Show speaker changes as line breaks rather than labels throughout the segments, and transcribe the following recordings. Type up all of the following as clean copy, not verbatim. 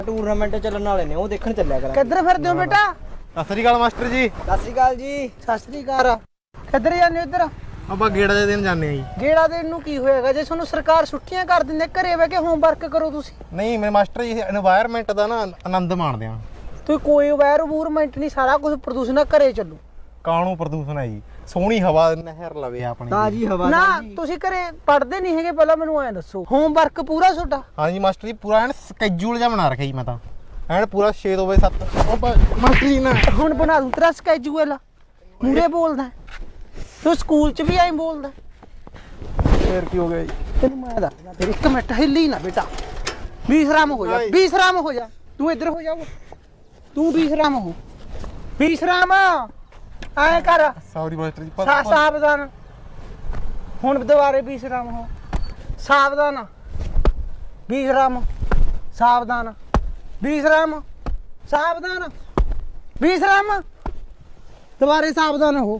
Tournament ਚੱਲਣ ਵਾਲੇ ਨੇ ਉਹ ਦੇਖਣ ਚੱਲਿਆ ਕਰਾਂ।
ਕਿੱਧਰ ਫਿਰਦੇ ਹੋ ਬੇਟਾ?
ਸਤਿ ਸ੍ਰੀ ਅਕਾਲ ਮਾਸਟਰ ਜੀ।
ਸਤਿ ਸ਼੍ਰੀ ਅਕਾਲ ਜੀ।
ਸਤਿ ਸ੍ਰੀ ਅਕਾਲ। ਕਿੱਧਰ ਜਾਂਦੇ ਹੋ? ਇੱਧਰ
ਆਪਾਂ ਗੇੜਾ ਦੇ ਦਿਨ ਜਾਂਦੇ ਆ ਜੀ।
ਗੇੜਾ ਦੇਣ ਨੂੰ ਕੀ ਹੋਏਗਾ ਜੇ ਤੁਹਾਨੂੰ ਸਰਕਾਰ ਛੁੱਟੀਆਂ ਕਰ ਦਿੰਦੇ, ਘਰੇ ਬਹਿ ਕੇ ਹੋਮਵਰਕ ਕਰੋ ਤੁਸੀਂ।
ਨਹੀਂ ਮੇਰੇ ਮਾਸਟਰ ਜੀ এনवायरमेंट ਦਾ ਨਾ ਆਨੰਦ ਮਾਣਦੇ ਆ।
ਤੁਸੀਂ ਕੋਈ এনवायरमेंट ਨਹੀਂ, ਸਾਰਾ ਕੁਝ ਪ੍ਰਦੂਸ਼ਣ ਘਰੇ ਚੱਲੂ।
ਕਾਣੂ ਪ੍ਰਦੂਸ਼ਣ ਹੈ ਜੀ, ਸੋਹਣੀ ਹਵਾ ਨਹਿਰ ਲਵੇ ਆਪਣੀ
ਤਾਜੀ ਹਵਾ
ਨਾ ਤੁਸੀਂ ਘਰੇ ਪੜ੍ਹਦੇ ਨਹੀਂ ਹੈਗੇ, ਪਹਿਲਾਂ ਮੈਨੂੰ ਐਂ ਦੱਸੋ ਹੋਮਵਰਕ ਪੂਰਾ ਤੁਹਾਡਾ?
ਹਾਂਜੀ ਮਾਸਟਰ ਜੀ, ਪੂਰਾ ਐਨ ਸਕੇਜੂਲ ਜਿਹਾ ਬਣਾ ਰੱਖਿਆ ਜੀ ਮੈਂ ਤਾਂ ਐਨ ਪੂਰਾ 6 ਤੋਂ ਵਜੇ 7 ਮਾਸਟਰ ਜੀ ਨਾ
ਹੁਣ ਬਣਾ ਦੂੰ ਤੇਰਾ ਸਕੈਜੂਅਲ। ਮੂਰੇ ਬੋਲਦਾ ਤੂੰ, ਸਕੂਲ 'ਚ ਵੀ ਐਂ ਬੋਲਦਾ।
ਫੇਰ ਕੀ ਹੋ ਗਿਆ ਜੀ?
ਤੈਨੂੰ ਮੈਂ ਦੱਸਦਾ ਤੇਰੀ, ਇੱਕ ਮਿੰਟ ਹਿੱਲੀ ਨਾ ਬੇਟਾ, ਬੀਸਰਾਮ ਹੋ ਜਾ, ਬੀਸਰਾਮ ਹੋ ਜਾ। ਤੂੰ ਇੱਧਰ ਹੋ ਜਾ, ਤੂੰ ਬੀਸਰਾਮ ਹੋ, ਬੀਸਰਾਮ ਐ ਕਰ।
ਸੌਰੀ ਮਾਸਟਰ ਜੀ।
ਸਾਵਧਾਨ, ਹੁਣ ਦੁਬਾਰੇ ਬੀਸਰਾਮ ਹੋ। ਸਾਵਧਾਨ, ਬੀਸਰਾਮ, ਸਾਵਧਾਨ, ਬੀਸਰਾਮ, ਸਾਵਧਾਨ, ਬੀਸਰਾਮ, ਦੁਬਾਰੇ ਸਾਵਧਾਨ ਹੋ,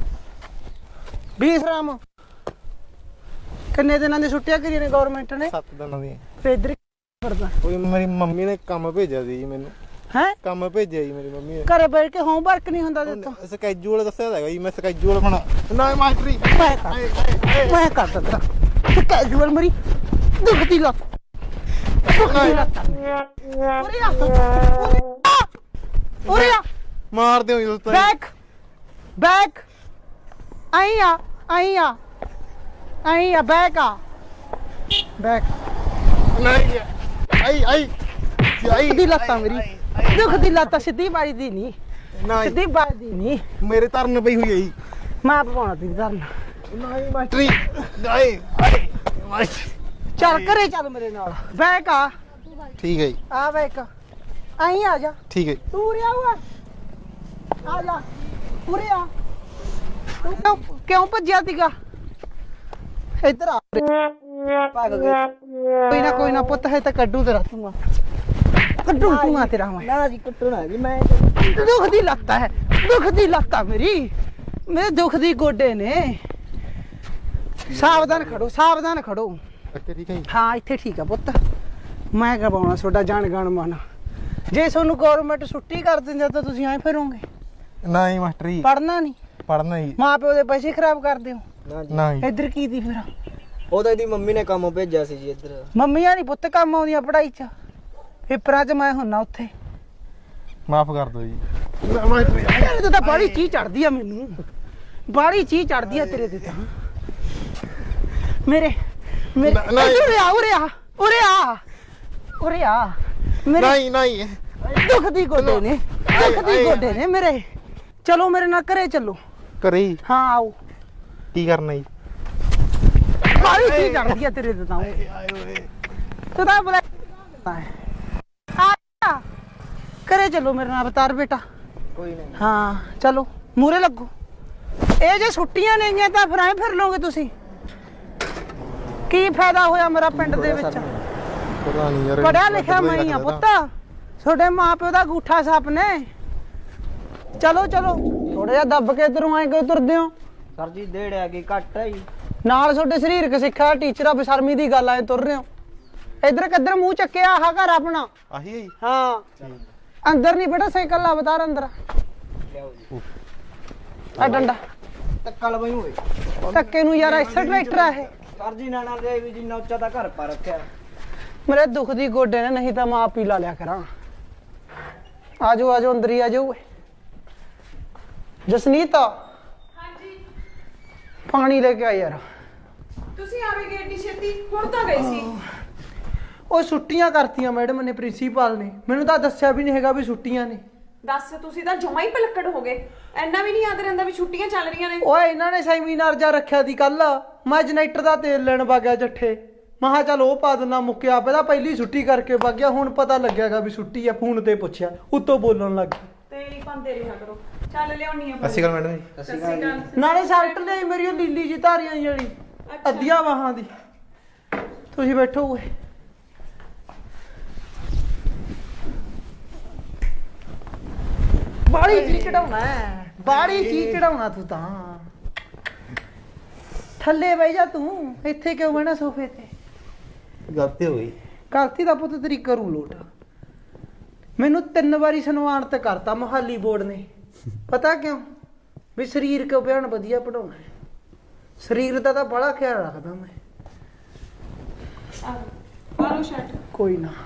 ਬੀਸਰਾਮ। ਕਿੰਨੇ ਦਿਨਾਂ ਦੀ ਛੁੱਟੀਆਂ ਕਰੀਆਂ ਨੇ ਗਵਰਨਮੈਂਟ ਨੇ?
7 ਦਿਨਾਂ ਦੀ।
ਤੇ ਇੱਧਰ ਫਿਰਦਾ
ਕੋਈ ਮੇਰੀ ਮੰਮੀ ਨੇ ਕੰਮ ਭੇਜਿਆ ਸੀ ਜੀ ਮੈਨੂੰ।
ਹੈ?
ਕੰਮ ਭੇਜਿਆ ਜੀ ਮੇਰੀ ਮੰਮੀ ਨੇ।
ਘਰੇ ਬੈਠ ਕੇ ਹੋਮਵਰਕ ਨਹੀਂ ਹੁੰਦਾ ਦਿੱਤਾ?
ਸਕੇਜੂਲ ਦੱਸਿਆ ਹੈਗਾ ਜੀ, ਮੈਂ ਸਕੇਜੂਲ ਬਣਾ ਨਾ ਮਾਸਟਰ ਜੀ।
ਮੈਂ ਕਰ ਦਿੰਦਾ ਸਕੈਜੂਅਲ। ਮੇਰੀ ਦੁਖਦੀ ਲੱਤ, ਦੁਖਦੀ ਲੱਤ। ਉਰੇ ਆ, ਉਰੇ ਆ,
ਮਾਰ ਦਿਓ ਜੀ ਦੋਸਤੋ।
ਬੈਕ, ਬੈਕ, ਆਈ ਆ, ਆਈ ਆ, ਆਈ ਆ, ਬੈਕ ਆ, ਬੈਕ।
ਨਹੀਂ ਆਈ ਆਈ ਆਈ
ਦੁਖਦੀ ਲੱਤਾਂ ਮੇਰੀ, ਦੁਖਦੀ ਲੱਤਾਂ। ਸਿੱਧੀ ਬਾਈ ਦੀ ਨਹੀਂ, ਸਿੱਧੀ ਬਾਈ ਦੀ ਨਹੀਂ,
ਮੇਰੇ ਧਰਨ ਪਈ ਹੋਈ ਹੈ ਜੀ।
ਮੈਂ ਪਵਾਉਣਾ ਤੇਰੀ ਧਰਨ।
ਨਹੀਂ ਮਾਸਟਰ ਜੀ। ਆਏ ਆਏ ਮਾਸਟਰ।
ਚੱਲ ਘਰੇ ਚੱਲ ਮੇਰੇ ਨਾਲ। ਬੈਕ ਆ,
ਠੀਕ ਹੈ ਜੀ,
ਆ ਬੈਕ, ਆਈ ਆ ਜਾ।
ਠੀਕ ਹੈ।
ਤੂੰ ਉਰੇ ਆ, ਓਏ ਆ ਜਾ, ਉਰੇ ਆ। ਤੂੰ ਕਿਉਂ ਭੱਜਿਆ ਸੀਗਾ? ਇੱਧਰ ਆ,
ਭੱਗ ਗਏ।
ਕੋਈ ਨਾ ਪੁੱਤ ਹੈ ਤਾਂ ਕੱਢੂ ਤੇਰਾ ਤੂੰ, ਕੱਢੂ ਤੂੰ ਤੇਰਾ ਮੈਂ।
ਨਾ ਜੀ ਕੁੱਟੂ ਨਾ ਜੀ, ਮੈਂ
ਦੁਖਦੀ ਲੱਤਾਂ ਹੈ, ਦੁਖਦੀ ਲੱਤਾਂ ਮੇਰੀ, ਮੇਰੇ ਦੁਖਦੀ ਗੋਡੇ ਨੇ। ਸਾਵਧਾਨ ਖੜੋ, ਸਾਵਧਾਨ ਖੜੋ।
ਅੱਛਾ ਠੀਕ ਹੈ ਜੀ।
ਹਾਂ ਇੱਥੇ ਠੀਕ ਆ ਪੁੱਤ, ਮੈਂ ਕਰਵਾਉਣਾ ਤੁਹਾਡਾ ਜਾਣ ਗਣ ਮਨ। ਜੇ ਤੁਹਾਨੂੰ ਗਵਰਨਮੈਂਟ ਛੁੱਟੀ ਕਰ ਦਿੰਦੇ ਤਾਂ ਤੁਸੀਂ ਐਂ ਫਿਰੋਗੇ?
ਨਹੀਂ ਮਾਸਟਰ ਜੀ,
ਪੜ੍ਹਨਾ ਨਹੀਂ,
ਪੜ੍ਹਨਾ ਜੀ।
ਮਾਂ ਪਿਓ ਦੇ ਪੈਸੇ ਖਰਾਬ ਕਰਦੇ ਹੋ।
ਨਾ ਜੀ,
ਨਹੀਂ
ਇੱਧਰ ਕੀ ਦੀ ਫਿਰ?
ਉਹ ਤਾਂ ਇਹਦੀ ਮੰਮੀ ਨੇ ਕੰਮ ਭੇਜਿਆ ਸੀ ਜੀ ਇੱਧਰ।
ਮੰਮੀਆਂ ਨਹੀਂ ਪੁੱਤ ਕੰਮ ਆਉਂਦੀਆਂ ਪੜ੍ਹਾਈ 'ਚ। ਪੇਪਰਾਂ 'ਚ ਮੈਂ ਹੁੰਨਾ ਉੱਥੇ।
ਮਾਫ ਕਰ ਦਿਓ ਜੀ ਮਾਸਟਰ ਜੀ।
ਤੇਰੇ ਤੇ ਤਾਂ ਬਾਹਲੀ ਚੀਜ਼ ਚੜਦੀ ਆ ਮੈਨੂੰ, ਬਾਹਲੀ ਚੀਜ਼ ਚੜਦੀ ਆ ਤੇਰੇ ਤੇ ਤਾਂ। ਮੇਰੇ ਮੇਰੇ ਉਰੇ ਆ, ਉਰੇ ਆ, ਉਰੇ ਆ, ਉਰੇ ਆ। ਮੇਰੇ
ਨਹੀਂ ਨਹੀਂ
ਦੁਖਦੀ ਗੋਡੇ ਨੇ, ਦੁਖਦੀ ਗੋਡੇ ਨੇ ਮੇਰੇ। ਚਲੋ ਮੇਰੇ ਨਾਲ ਘਰੇ ਚੱਲੋ।
ਕਰੇ ਜੀ।
ਹਾਂ ਆਓ।
ਕੀ ਕਰਨਾ ਜੀ?
ਬਾਹਲੀ ਚੀਜ਼ ਚੜਦੀ ਆ ਤੇਰੇ ਤੇ ਤਾਂ। ਤੂੰ ਤਾਂ ਬੁਲਾ ਆ, ਘਰੇ ਚੱਲੋ ਮੇਰੇ ਨਾਲ ਅਵਤਾਰ ਬੇਟਾ।
ਕੋਈ ਨਹੀਂ।
ਹਾਂ ਚਲੋ ਮੂਰੇ ਲੱਗੋ। ਇਹ ਜੇ ਛੁੱਟੀਆਂ ਨੇਗੀਆਂ ਤਾਂ ਫਿਰ ਐਂ ਫਿਰ ਲਓਗੇ ਤੁਸੀਂ। ਕੀ ਫਾਇਦਾ ਹੋਇਆ ਮੇਰਾ ਪਿੰਡ ਦੇ ਵਿੱਚ?
ਪਤਾ ਨਹੀਂ ਯਾਰ,
ਪੜਿਆ ਲਿਖਿਆ ਮੈਂ ਹੀ ਆ ਪੁੱਤ, ਤੁਹਾਡੇ ਮਾਂ ਪਿਓ ਦਾ ਗੂਠਾ ਸੱਪ ਨੇ। ਚਲੋ ਚਲੋ ਥੋੜਾ ਜਿਹਾ ਦੱਬ ਕੇ ਇਧਰੋਂ ਆਏ ਕਿਉਂ ਤੁਰਦੇ ਹੋ?
ਸਰ ਜੀ ਦੇੜ ਆ ਗਈ, ਘੱਟ ਹੈ ਜੀ।
ਨਾਲ ਤੁਹਾਡੇ ਸਰੀਰਕ ਸਿੱਖਿਆ ਟੀਚਰ ਆ, ਬੇਸ਼ਰਮੀ ਦੀ ਗੱਲ ਆਏ ਤੁਰ ਰਹੇ ਹੋ। ਇਧਰ ਕਿੱਧਰ ਮੂੰਹ ਚੱਕਿਆ? ਆਹ ਘਰ ਆਪਣਾ।
ਆਹੀ ਹੈ ਜੀ।
ਹਾਂ ਅੰਦਰ ਨਹੀਂ ਬੇਟਾ, ਸਾਈਕਲ ਲਾ ਅਵਤਾਰ ਅੰਦਰ।
ਲਿਆਓ ਜੀ
ਆ ਡੰਡਾ
ਧੱਕਾ ਲਵਾਈ ਹੋਏ।
ਧੱਕੇ ਨੂੰ ਯਾਰ, ਐਸਾ ਟਰੈਕਟਰ ਆ ਇਹ।
ਸਰ ਜੀ ਨਾਨਾ ਦੇ ਵੀ ਜਿੰਨਾ ਉੱਚਾ ਤਾਂ ਘਰ ਪਾ ਰੱਖਿਆ।
ਮੇਰੇ ਦੁੱਖ ਦੀ ਗੋਡੇ ਨੇ, ਨਹੀਂ ਤਾਂ ਮੈਂ ਆਪ ਹੀ ਲਾ ਲਿਆ ਕਰਾਂ। ਆਜੋ ਆਜੋ ਅੰਦਰ ਹੀ ਆਜੋ। ਜਸਨੀਤ
ਹਾਂਜੀ
ਪਾਣੀ ਲੈ ਕੇ ਆ ਯਾਰ।
ਤੁਸੀਂ ਆਵੇਗੇ ਏਡੀ ਛੇਤੀ? ਹੁਣ ਤਾਂ ਗਈ ਸੀ।
ਉਹ ਛੁੱਟੀਆਂ ਕਰਤੀਆਂ ਮੈਡਮ ਨੇ, ਪ੍ਰਿੰਸੀਪਲ ਨੇ। ਮੈਨੂੰ ਤਾਂ ਦੱਸਿਆ ਵੀ ਨਹੀਂ ਹੈਗਾ ਵੀ ਛੁੱਟੀਆਂ ਨੇ।
ਦੱਸ, ਤੁਸੀਂ ਤਾਂ ਜਮਾ ਹੀ ਪਲੱਕੜ ਹੋ ਗਏ। ਐਨਾ ਵੀ ਨਹੀਂ ਯਾਦ ਰਹਿੰਦਾ ਵੀ ਛੁੱਟੀਆਂ ਚੱਲ ਰਹੀਆਂ ਨੇ।
ਓਏ ਇਹਨਾਂ ਨੇ ਸੈਮੀਨਾਰ ਜਾ ਰੱਖਿਆ ਸੀ ਕੱਲ। ਮੈਂ ਜਨਰੇਟਰ ਦਾ ਤੇਲ ਲੈਣ ਵਗਿਆ ਜੱਠੇ। ਮੈਂ ਕਿਹਾ ਚੱਲ ਉਹ ਪਾ ਦਿੰਦਾ, ਮੁੱਕਿਆ ਪਹਿਲਾਂ ਪਹਿਲੀ ਛੁੱਟੀ ਕਰਕੇ ਵਗ ਗਿਆ। ਹੁਣ ਪਤਾ ਲੱਗਿਆਗਾ ਵੀ ਛੁੱਟੀ ਆ, ਫੋਨ ਤੇ ਪੁੱਛਿਆ, ਉੱਤੋਂ ਬੋਲਣ ਲੱਗ ਗਈ।
ਤੇਲ ਹੀ ਪਾਉਂਦੇ ਰਿਹਾ ਕਰੋ। ਚੱਲ ਲਿਆਉਣੀ ਆ।
ਅਸੀਂ ਗੱਲ ਮੈਡਮ ਜੀ।
ਸਤਿ ਸ਼੍ਰੀ ਅਕਾਲ।
ਨਾਲੇ ਸ਼ਰਟ ਲਈ ਮੇਰੀ ਉਹ ਲੀਲੀ ਜੀ ਧਾਰੀਆਂ ਜਿਹੜੀ ਅੱਧੀਆਂ ਬਾਹਾਂ ਦੀ। ਤੁਸੀਂ ਬੈਠੋ ਓਏ। ਬਾੜੀ ਜੀ ਚੜਾਉਣਾ, ਬਾੜੀ ਜੀ ਚੜਾਉਣਾ ਤੂੰ ਤਾਂ। ਥੱਲੇ ਬਹਿ ਜਾ ਤੂੰ, ਇੱਥੇ ਕਿਉਂ ਬਹਿਣਾ ਸੋਫੇ ਤੇ?
ਗਲਤੀ ਹੋ ਗਈ।
ਗਲਤੀ ਦਾ ਪੁੱਤ ਤੇਰੀ ਕਰੂ ਲੋਟ। ਮੈਨੂੰ 3 ਵਾਰੀ ਸਨਮਾਨਿਤ ਕਰਤਾ ਮੁਹਾਲੀ ਬੋਰਡ ਨੇ। ਪਤਾ ਕਿਉਂ? ਵੀ ਸਰੀਰ ਕਿਉਂ ਬਿਆਨ ਵਧੀਆ ਪੜਾਉਣਾ ਹੈ। ਸਰੀਰ ਦਾ ਤਾਂ ਬੜਾ ਖਿਆਲ ਰੱਖਦਾ ਮੈਂ।
ਆਲੋ ਸ਼ਰਟ।
ਕੋਈ ਨਾ।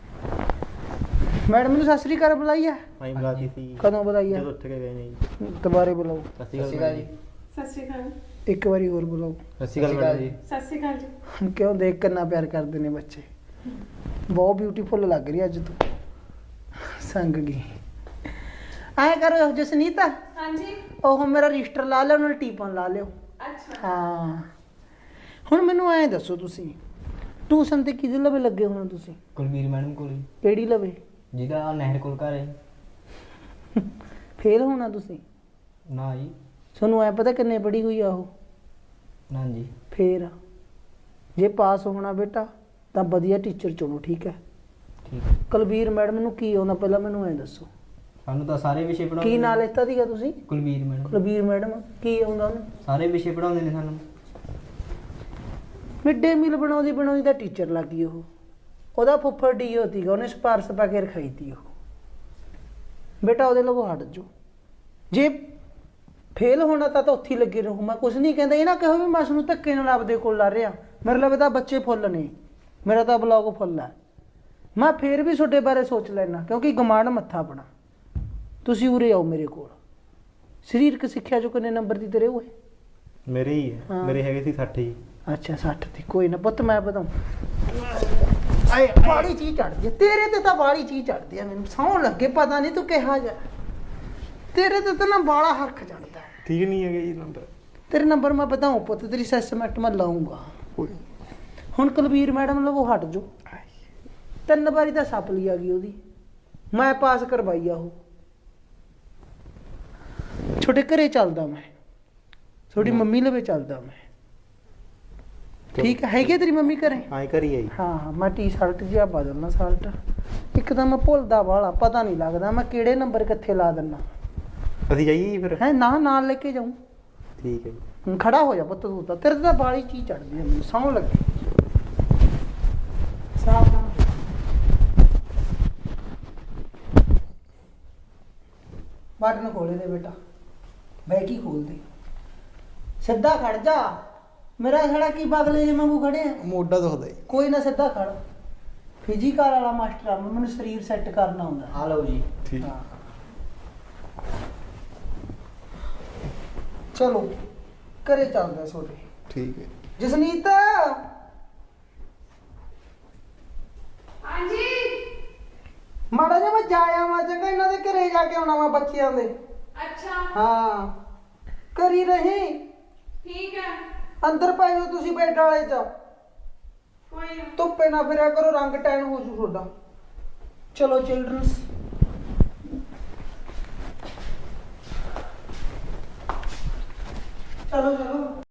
ਮੈਡਮ ਨੂੰ ਸਤਿ ਸ੍ਰੀ ਅਕਾਲ ਬੁਲਾਈ ਆ?
ਆਈ ਬੁਲਾਤੀ ਸੀ
ਕਦੋਂ ਬੁਲਾਈ ਆ?
ਜਦੋਂ ਉੱਠ ਕੇ ਗਏ ਨੇ ਜੀ।
ਦੁਬਾਰੇ ਬੁਲਾਓ।
ਸਤਿ ਸ਼੍ਰੀ ਅਕਾਲ ਜੀ।
ਸਤਿ ਸ਼੍ਰੀ ਅਕਾਲ।
ਇੱਕ ਵਾਰੀ ਹੋਰ ਬੁਲਾਓ।
ਸਤਿ ਸ਼੍ਰੀ ਅਕਾਲ ਮੈਡਮ ਜੀ।
ਸਤਿ ਸ਼੍ਰੀ ਅਕਾਲ ਜੀ।
ਕਿਉਂ ਦੇਖ ਕਿੰਨਾ ਪਿਆਰ ਕਰਦੇ ਨੇ ਬੱਚੇ। ਬਹੁਤ ਬਿਊਟੀਫੁਲ ਲੱਗ ਰਹੀ ਅੱਜ ਤੂੰ। ਸੰਗ ਗਈ। ਐਂ ਕਰੋ ਜਸਨੀਤ,
ਹਾਂਜੀ।
ਉਹ ਮੇਰਾ ਰਜਿਸਟਰ ਲਾ ਲਿਓ, ਨਾਲ ਟੀਪਨ ਲਾ ਲਿਓ।
ਅੱਛਾ।
ਹਾਂ ਹੁਣ ਮੈਨੂੰ ਐਂ ਦੱਸੋ, ਤੁਸੀਂ ਟਿਊਸ਼ਨ ਤੇ ਕਿਹਦੇ ਲਵੇ ਲੱਗੇ ਹੋਣਾ ਤੁਸੀਂ?
ਕੁਲਬੀਰ ਮੈਡਮ ਕੋਲ ਹੀ,
ਕਿਹੜੀ ਲਵੇ?
ਜਿਹਦਾ ਨਹਿਰ ਕੋਲ ਘਰ ਹੈ।
ਫੇਲ ਹੋਣਾ ਤੁਸੀਂ?
ਨਾ ਜੀ।
ਤੁਹਾਨੂੰ ਐ ਪਤਾ ਕਿੰਨੇ ਪੜ੍ਹੀ ਹੋਈ ਆ ਉਹ?
ਨਾ ਜੀ।
ਫੇਰ ਜੇ ਪਾਸ ਹੋਣਾ ਬੇਟਾ ਤਾਂ ਵਧੀਆ ਟੀਚਰ ਚੁਣੋ, ਠੀਕ ਹੈ?
ਠੀਕ ਹੈ।
ਕੁਲਬੀਰ ਮੈਡਮ ਨੂੰ ਕੀ ਆਉਂਦਾ ਪਹਿਲਾਂ ਮੈਨੂੰ ਐਂ ਦੱਸੋ।
ਸਾਨੂੰ ਤਾਂ ਸਾਰੇ ਵਿਸ਼ੇ ਪੜਾਉਂਦੇ
ਕੀ ਨਾਂ ਲੈਤਾ ਸੀਗਾ ਤੁਸੀਂ?
ਕੁਲਬੀਰ ਮੈਡਮ।
ਕੁਲਬੀਰ ਮੈਡਮ ਕੀ ਆਉਂਦਾ ਉਹਨੂੰ?
ਸਾਰੇ ਵਿਸ਼ੇ ਪੜਾਉਂਦੇ ਨੇ ਸਾਨੂੰ।
ਮਿਡ ਡੇ ਮੀਲ ਬਣਾਉਂਦੀ ਤਾਂ ਟੀਚਰ ਲੱਗ ਗਈ ਉਹ। ਉਹਦਾ ਫੁੱਫੜ ਡੀਓ ਸੀਗਾ, ਉਹਨੇ ਸਿਫਾਰਸ਼ ਪਾ ਕੇ ਰਖਾਈ ਤੀ ਉਹ। ਬੇਟਾ ਉਹਦੇ ਲਵੋ ਹਟ ਜਾਓ। ਜੇ ਫੇਲ ਹੋਣਾ ਤਾਂ ਉੱਥੇ ਹੀ ਲੱਗੇ ਰਹੋ। ਮੈਂ ਕੁਝ ਨਹੀਂ ਕਹਿੰਦਾ। ਇਹ ਨਾ ਕਹੋ ਵੀ ਮੈਂ ਨੂੰ ਧੱਕੇ ਨਾਲ ਆਪਦੇ ਕੋਲ ਲਾ ਰਿਹਾ। ਮੇਰੇ ਲਵੇ ਤਾਂ ਬੱਚੇ ਫੁੱਲ ਨੇ, ਮੇਰਾ ਤਾਂ ਬਲੌਗ ਫੁੱਲ ਹੈ। ਮੈਂ ਫੇਰ ਵੀ ਤੁਹਾਡੇ ਬਾਰੇ ਸੋਚ ਲੈਣਾ, ਕਿਉਂਕਿ ਗਮਾਂਡ ਮੱਥਾ ਆਪਣਾ। ਤੁਸੀਂ ਉਰੇ ਆਓ ਮੇਰੇ ਕੋਲ। ਸਰੀਰਕ ਸਿੱਖਿਆ ਚੋਂ ਕਿੰਨੇ ਨੰਬਰ ਦੀ ਤੇਰੇ ਹੋਏ?
ਮੇਰੇ ਹੀ ਹੈ।
ਹਾਂ।
ਮੇਰੇ ਹੈਗੇ ਸੀ 60 ਜੀ।
ਅੱਛਾ 60 ਦੀ। ਕੋਈ ਨਾ ਪੁੱਤ ਮੈਂ ਬਤਾਉਂ। ਆਏ ਬਾੜੀ ਚੀਜ਼ ਚੜਦੀ ਹੈ ਤੇਰੇ ਤੇ, ਤਾਂ ਬਾੜੀ ਚੀਜ਼ ਚੜਦੀ ਹੈ। ਮੈਨੂੰ ਸੌਣ ਲੱਗੇ ਪਤਾ ਨਹੀਂ ਤੂੰ ਕਿਹਾ ਜਾ। ਤੇਰੇ ਤੇ ਤਾਂ ਨਾ ਬਾਲਾ ਹਰਖ ਚੜਦਾ ਹੈ।
ਠੀਕ ਨਹੀਂ ਹੈਗੇ ਜੀ ਨੰਬਰ।
ਤੇਰੇ ਨੰਬਰ ਮੈਂ ਬਤਾਉਂ ਪੁੱਤ, ਤੇਰੀ ਅਸੈਸਮੈਂਟ ਮੈਂ ਲਾਉਂਗਾ। ਹੁਣ ਕੁਲਬੀਰ ਮੈਡਮ ਲਵੋ ਹਟ ਜਾਓ। 3 ਵਾਰੀ ਤਾਂ ਸਪਲੀ ਆ ਗਈ ਉਹਦੀ, ਮੈਂ ਪਾਸ ਕਰਵਾਈ ਆ ਉਹ। ਛੋਟੇ ਘਰੇ ਚੱਲਦਾ ਮੈਂ, ਤੁਹਾਡੀ ਮੰਮੀ ਲਵੇ ਚੱਲਦਾ ਮੈਂ, ਠੀਕ ਹੈ? ਹੈਗੀ ਤੇਰੀ ਮੰਮੀ ਘਰੇ?
ਆਏ ਕਰੀ ਆਈ।
ਹਾਂ ਹਾਂ ਮੈਂ ਟੀ-ਸ਼ਰਟ ਜਿਹਾ ਬਦਲਣਾ, ਸ਼ਰਟ ਇੱਕ ਤਾਂ ਮੈਂ ਭੁੱਲਦਾ ਵਾਲਾ, ਪਤਾ ਨਹੀਂ ਲੱਗਦਾ ਮੈਂ ਕਿਹੜੇ ਨੰਬਰ ਕਿੱਥੇ ਲਾ ਦਿੰਦਾ।
ਅਸੀਂ ਜਾਈਏ ਜੀ ਫਿਰ?
ਹੈ ਨਾ, ਨਾਲ ਲੈ ਕੇ ਜਾਊਂ।
ਠੀਕ ਹੈ ਜੀ।
ਹੁਣ ਖੜਾ ਹੋ ਜਾ ਪੁੱਤ ਤੂੰ ਤਾਂ, ਤੇਰੇ ਤੇ ਤਾਂ ਬਾਲੀ ਚੀਜ਼ ਚੜਦੀ ਹੈ ਮੈਨੂੰ, ਸੌਂ ਲੱਗੇ। ਸਾਵਧਾਨ ਬਟਨ ਖੋਲੇ ਦੇ ਬੇਟਾ, ਬੈਠੀ ਖੋਲ ਦੇ। ਸਿੱਧਾ ਖੜ ਜਾ। ਮੇਰਾ ਖੜਾ ਕੀ ਬਗਲੇ ਜੇ ਵਾਂਗੂ ਖੜੇ ਆ?
ਮੋਢਾ ਦੁਖਦਾ ਜੀ।
ਕੋਈ ਨਾ ਸਿੱਧਾ ਖੜ। ਫਿਜ਼ੀਕਲ ਵਾਲਾ ਮਾਸਟਰ ਆ, ਮੈਨੂੰ ਸਰੀਰ ਸੈੱਟ ਕਰਨਾ ਹੁੰਦਾ।
ਆ ਲਓ ਜੀ।
ਠੀਕ।
ਹਾਂ। ਚਲੋ ਘਰੇ ਚੱਲਦੇ ਛੋਟੇ।
ਠੀਕ ਹੈ।
ਜਸਨੀਤ
ਹਾਂਜੀ।
ਮਾੜਾ ਜਿਹਾ ਮੈਂ ਜਾਇਆ ਮੈਂ ਚੰਗਾ, ਇਹਨਾਂ ਦੇ ਘਰੇ ਜਾ ਕੇ ਆਉਣਾ ਮੈਂ ਬੱਚਿਆਂ ਦੇ।
ਅੱਛਾ।
ਹਾਂ ਕਰੀ ਰਹੀ।
ਠੀਕ ਹੈ।
ਅੰਦਰ ਪੈ ਜਾਓ ਤੁਸੀਂ ਬੈੱਡ ਵਾਲੇ ਚ।
ਕੋਈ ਨਾ।
ਧੁੱਪੇ ਨਾ ਫਿਰਿਆ ਕਰੋ, ਰੰਗ ਟੈਨ ਹੋ ਜੂ ਤੁਹਾਡਾ। ਚਲੋ ਚਿਲਡਰਨਸ। ਚਲੋ ਚਲੋ।